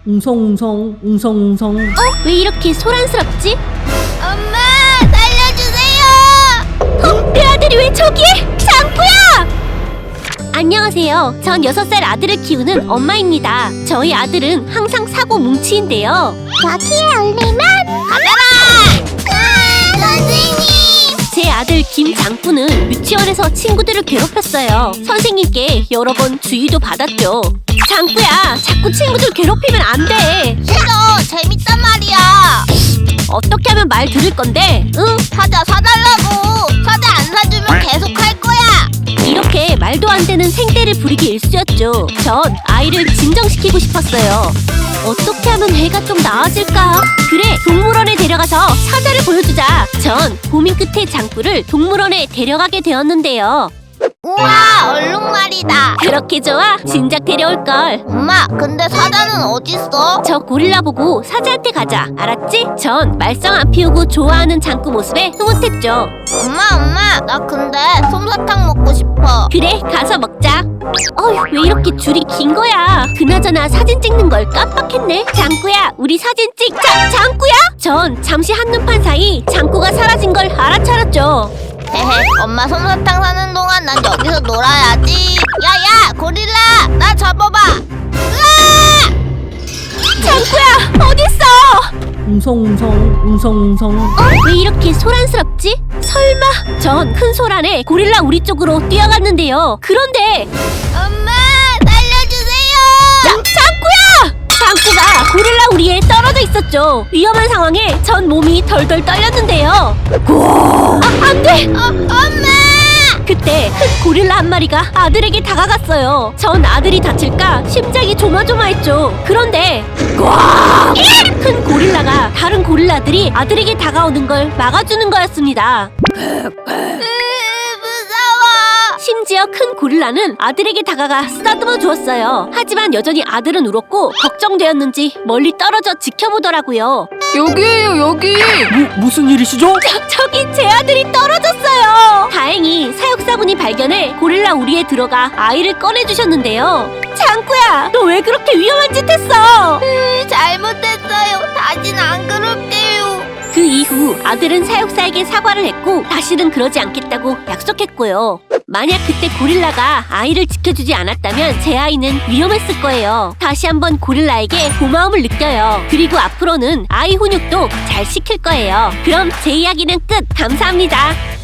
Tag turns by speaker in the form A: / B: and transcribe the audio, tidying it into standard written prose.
A: 웅성웅성 웅성웅성.
B: 왜 이렇게 소란스럽지?
C: 엄마, 살려주세요!
B: 내 아들이 왜 저기에? 장구야! 안녕하세요. 전 6살 아들을 키우는 엄마입니다. 저희 아들은 항상 사고 뭉치인데요.
C: 여기에 올리면 가져라! 선생님!
B: 제 아들 김장구는 유치원에서 친구들을 괴롭혔어요. 선생님께 여러 번 주의도 받았죠. 장구야, 자꾸 친구들 괴롭히면 안 돼.
C: 싫어, 재밌단 말이야.
B: 어떻게 하면 말 들을 건데? 응?
C: 사자 사달라고. 사자 안 사주면 계속 할 거야.
B: 이렇게 말도 안 되는 생떼를 부리기 일쑤였죠. 전 아이를 진정시키고 싶었어요. 어떻게 하면 애가 좀 나아질까? 그래, 동물원에 데려가서 사자를 보여주자. 전 고민 끝에 장구를 동물원에 데려가게 되었는데요.
C: 우와, 얼룩말이다.
B: 그렇게 좋아? 진작 데려올걸.
C: 엄마, 근데 사자는 어딨어?
B: 저 고릴라 보고 사자한테 가자. 알았지? 전 말썽 안 피우고 좋아하는 장구 모습에 흐뭇했죠.
C: 엄마, 나 근데 솜사탕 먹고 싶어.
B: 그래, 가서 먹자. 어휴, 왜 이렇게 줄이 긴 거야? 그나저나 사진 찍는 걸 깜빡했네. 장구야, 우리 사진 찍자. 장구야? 전 잠시 한눈판 사이 장구가 사라진 걸 알아차렸죠.
C: 헤헤, 엄마 솜사탕 사는 동안 난 여기서 놀아야지. 야야, 고릴라, 나 잡아봐. 으아!
B: 장구야, 어딨어?
A: 웅성웅성 웅성웅성.
B: 왜 이렇게 소란스럽지? 설마? 전 큰 소란에 고릴라 우리 쪽으로 뛰어갔는데요. 그런데
C: 엄마, 살려주세요.
B: 장구야! 장구가 고릴라 우리에 떨어져 있었죠. 위험한 상황에 전 몸이 덜덜 떨렸는데요. 안 돼!
C: 엄마!
B: 그때 큰 고릴라 한 마리가 아들에게 다가갔어요. 전 아들이 다칠까 심장이 조마조마했죠. 그런데 큰 고릴라가 다른 고릴라들이 아들에게 다가오는 걸 막아주는 거였습니다.
C: 무서워.
B: 심지어 큰 고릴라는 아들에게 다가가 쓰다듬어 주었어요. 하지만 여전히 아들은 울었고 걱정되었는지 멀리 떨어져 지켜보더라고요.
D: 여기에요, 여기.
A: 무슨 일이시죠?
B: 저기 제 아들이 떨어졌어요. 다행히 사육사분이 발견해 고릴라 우리에 들어가 아이를 꺼내주셨는데요. 장구야, 너 왜 그렇게 위험한 짓 했어?
C: 잘못했어요. 다시는 안 그럴게요.
B: 그 이후 아들은 사육사에게 사과를 했고 다시는 그러지 않겠다고 약속했고요. 만약 그때 고릴라가 아이를 지켜주지 않았다면 제 아이는 위험했을 거예요. 다시 한번 고릴라에게 고마움을 느껴요. 그리고 앞으로는 아이 훈육도 잘 시킬 거예요. 그럼 제 이야기는 끝. 감사합니다.